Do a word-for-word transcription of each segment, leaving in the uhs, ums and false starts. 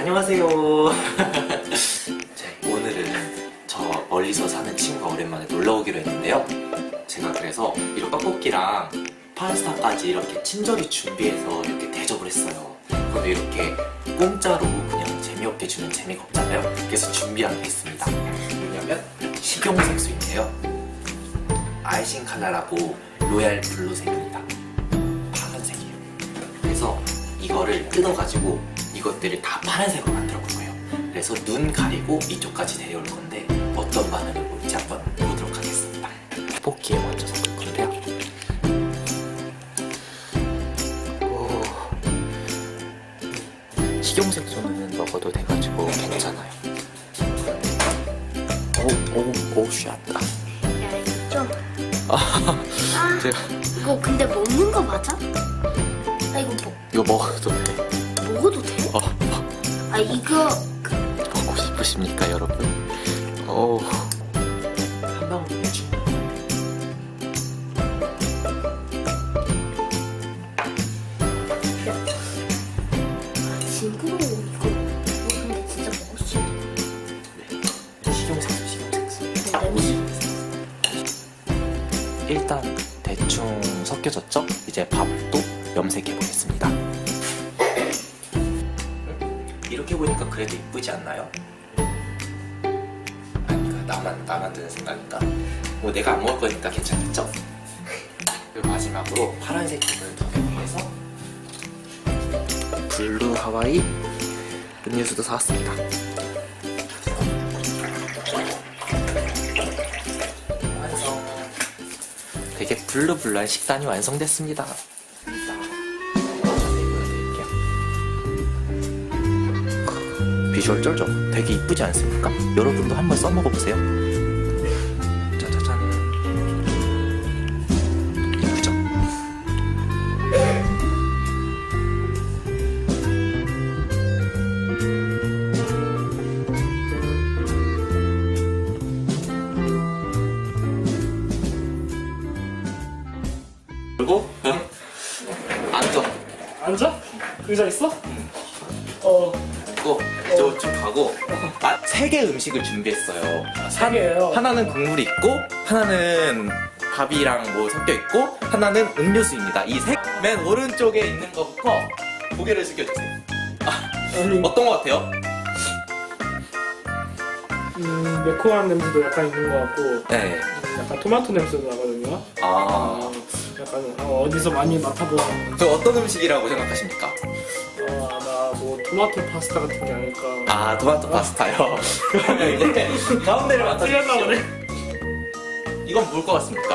안녕하세요. 네, 오늘은 저 멀리서 사는 친구가 오랜만에 놀러 오기로 했는데요. 제가 그래서 이런 떡볶이랑 파스타까지 이렇게 친절히 준비해서 이렇게 대접을 했어요. 저도 이렇게 공짜로 그냥 재미없게 주면 재미가 없잖아요. 그래서 준비한 게 있습니다. 뭐냐면 식용색소인데요. 아이싱 컬러라고 로얄 블루색입니다. 파란색이에요. 그래서 이거를 뜯어가지고 이것들을 다 파란색으로 만들어 볼 거예요. 그래서 눈 가리고 이쪽까지 데려올 건데 어떤 반응을 볼지 한번 보도록 하겠습니다. 떡볶이에 먼저 섞을 건데요. 오, 식용색소는 먹어도 돼가지고 괜찮아요. 오, 오, 오, 샷다. 야, 이거 좀. 아, 아, 제가 이거 근데 먹는 거 맞아? 아, 이거 뭐, 이거 먹어도 돼. 먹어도 돼? 어, 아, 이거. 먹고 싶으십니까, 여러분? 오, 한 방울 내주. 징그러워, 이거. 이거 근데 진짜 먹을 수 있는 네, 식용색소, 식용색소. 거 냄새. 일단 대충 섞여졌죠? 이제 밥도 염색해 보겠습니다. 이렇게 보니까 그래도 이쁘지 않나요? 아닌가? 나만 나만 드는 생각인가? 뭐 내가 안 먹을 거니까 괜찮겠죠? 그리고 마지막으로 파란색 부분을 더하기 위해서 블루 하와이 음료수도 사왔습니다. 완성. 되게 블루블루한 식단이 완성됐습니다. 비주얼 쩔죠? 되게 이쁘지 않습니까? 여러분도 한번 써먹어보세요. 짜자잔. 이쁘죠? 그리고 앉아. 앉아? 의자 있어? 어, 고 저쪽 가고 아, 세 개 음식을 준비했어요. 세 개예요. 하나는 국물이 있고 하나는 밥이랑 뭐 섞여 있고 하나는 음료수입니다. 이 색 맨 오른쪽에 있는 것부터 고개를 숙여주세요. 아, 아니, 어떤 것 같아요? 음, 매콤한 냄새도 약간 있는 것 같고, 네. 음, 약간 토마토 냄새도 나거든요. 아, 어, 약간 어, 어디서 많이 맡아본, 저 어떤 음식이라고 생각하십니까? 어, 아마 뭐 토마토 파스타 같은 게 아닐까. 아, 토마토 파스타요. 그러면 이제 가운데를 틀렸나 맡아주십시오. 보네. 이건 뭘 것 같습니까?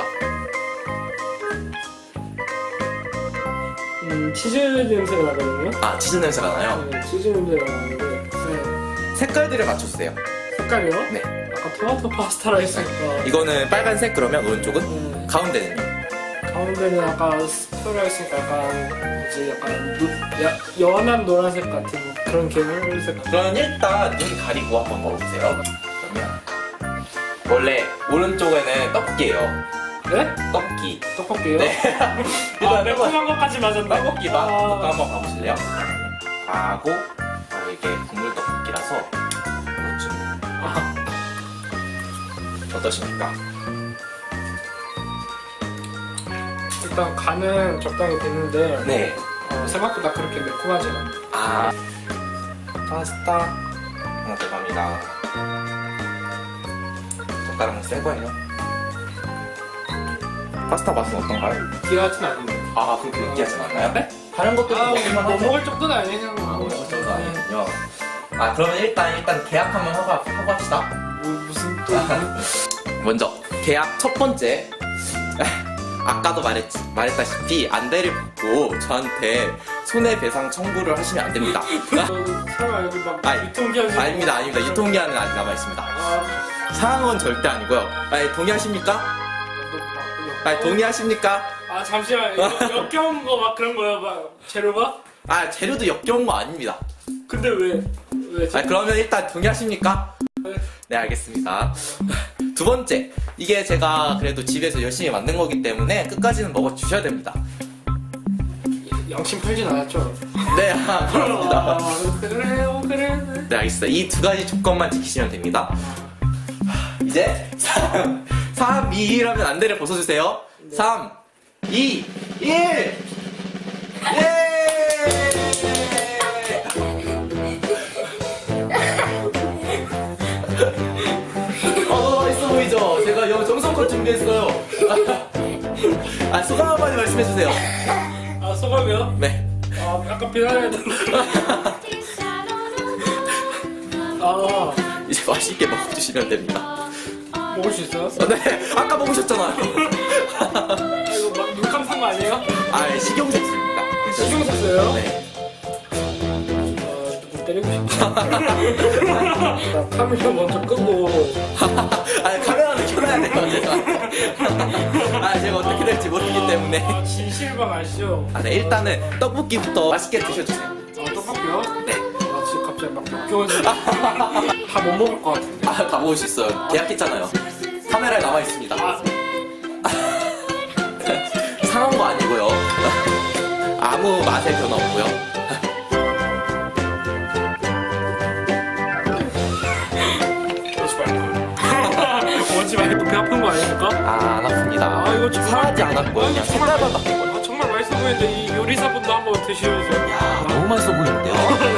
음, 치즈 냄새가 나거든요. 아, 치즈 냄새가 나요. 네, 치즈 냄새가 나는데, 네. 색깔들을 맞춰주세요. 색깔이요? 네. 아까 토마토 파스타라 했으니까. 이거는 빨간색, 그러면 오른쪽은? 음, 가운데는요? 가운데는 아까 스프라 했으니까 약간 뭐지 약간 노, 야, 연한 노란색 같은 그런 계열색. 그러면 일단 눈 가리고 한번 먹어보세요. 그러면 원래 오른쪽에는 떡볶이에요. 네? 떡볶이. 떡볶이요? 네. 아, 일단 매콤한 것까지 맞았나? 떡볶이 맛 아, 한번 가보실래요? 하고 아, 이게 국물 떡볶이라서 이것 좀 아. 어떠십니까? 일단 간은 적당히 됐는데 네. 어, 생각보다 그렇게 매콤하지 않아요. 아 파스타 하나 들어갑니다. 젓가락은 센 거예요. 파스타 맛은 어떤가요? 귀하진 않은데. 아 그렇게 느끼하진 않나요? 네? 다른 것도 아, 먹을만 뭐 하죠? 먹을 정도는 아니에요. 아, 뭐 먹을 정도 아니군요. 아 그러면 일단 일단 계약 한번 하고, 하고 합시다. 뭐, 무슨 또 먼저 계약 첫 번째. 아까도 말했, 말했다시피 안대를 벗고 저한테 손해배상 청구를 하시면 안 됩니다. 저 설마 여기 막 아, 유통기한 아닙니다, 아닙니다. 유통기한은 아직 남아있습니다. 아, 상한 건 절대 아니고요. 아니, 동의하십니까? 아니, 동의하십니까? 아 잠시만 역- 역겨운 거 막 그런 거요 막 재료가? 아, 재료도 역겨운 거 아닙니다. 근데 왜 왜? 아, 그러면 일단 동의하십니까? 네, 알겠습니다. 두 번째, 이게 제가 그래도 집에서 열심히 만든 거기 때문에 끝까지는 먹어주셔야 됩니다. 양심 풀진 않았죠? 네, 아, 그렇습니다. 아, 그래요 그래. 네, 알겠습니다. 이 두 가지 조건만 지키시면 됩니다. 이제 삼, 삼, 이, 일 하면 안대를 벗어주세요. 삼, 이, 일! 예! 어, 너무 맛있어 보이죠? 제가 영 정성껏 준비했어요. 아, 소감 한마디 말씀해주세요. 아 소감이요? 네. 아 약간 비난해야 되는데. 아 이제 맛있게 먹어주시면 됩니다. 먹을 수 있어요? 어, 네, 아까 먹으셨잖아요. 아 이거 막 물감 산 거 아니에요? 아, 식용색소입니다. 신경 썼어요? 네. 아 누구 때리고 싶다. 나 카메라 먼저 끄고. 아, 카메라는 켜놔야 돼요, 제가. 아, 제가 어떻게 될지 모르기 때문에. 아 진실방 아시죠? 아, 네, 일단은 떡볶이부터 맛있게 드셔주세요. 아 떡볶이요? 네. 아 지금 갑자기 막 역겨워지네. 다 못 먹을 것 같은데. 아, 다 먹을 수 있어요. 계약했잖아요. 카메라에 남아있습니다. 아 상한 거 아니고요. 아무 맛의 변화 없고요. 오지 말고. 오지 말고 배 아픈 거 아닙니까? 아, 안 아픕니다. 아, 이거 정말- 상하지 않았고요. 아, 그냥 이거 정말- 색깔만 바뀐 거예요. 아 정말 맛있어 보이는데 이 요리사분도 한번 드시면서. 야, 너무 맛있어 보이는데요?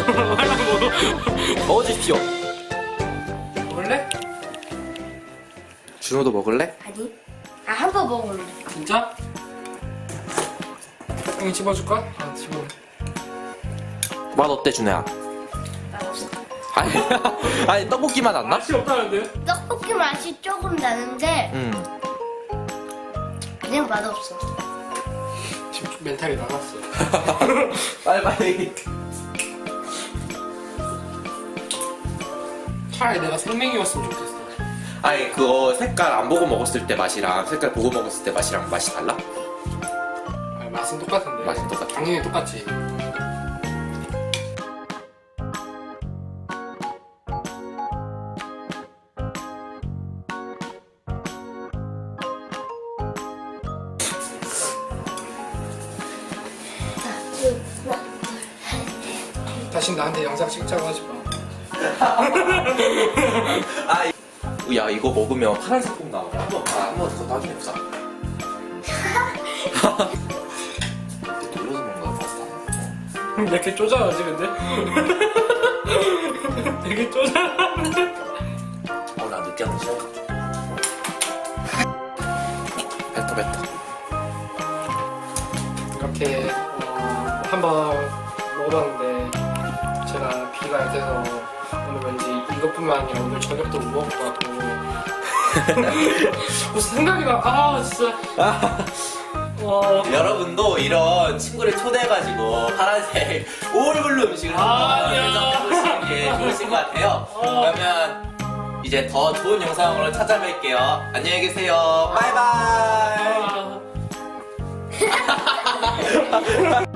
하려고. 먹어주십시오. 원래? 준호도 먹을래? 아니. 아 한 번 먹을래. 진짜? 형이 집어줄까? 아 집어. 맛 어때, 준호야? 맛없어. 아니, 아니 떡볶이 맛 안 나? 맛이 없다는데? 떡볶이 맛이 조금 나는데 응. 그냥 맛없어. 지금 좀 멘탈이 나갔어. 빨리 빨리. 차라리 내가 생명이었으면 좋겠어. 아니 그거 색깔 안 보고 먹었을 때 맛이랑 색깔 보고 먹었을 때 맛이랑 맛이 달라? 아, 맛은 똑같은데. 맛은 똑같아. 당연히 똑같지. 다시 나한테 영상 찍자고 하지 마. 아, 이- 야 이거 먹으면 파란색 콩 나오네. 한번 아, 한번 그거 나중에 보자. 이렇게 돌려서 먹는 거야 파스타. 왜 이렇게 쪼잔하지 근데? 되게 쪼잔한데? 어나 느끼한 거 싫어. 뱉어 뱉어. 이렇게 어, 한번 먹어봤는데 제가 비가 약해서 오늘 왠지 이것뿐만 아니라 오늘 저녁도 못 먹을 것 같고 자꾸 생각이 나. 아 진짜. 와. 여러분도 이런 친구를 초대해가지고 파란색 오울블루 음식을 아니야. 한번 해보시는 게 좋으신 것 같아요. 어. 그러면 이제 더 좋은 영상으로 찾아뵐게요. 안녕히 계세요. 바이바이. 아.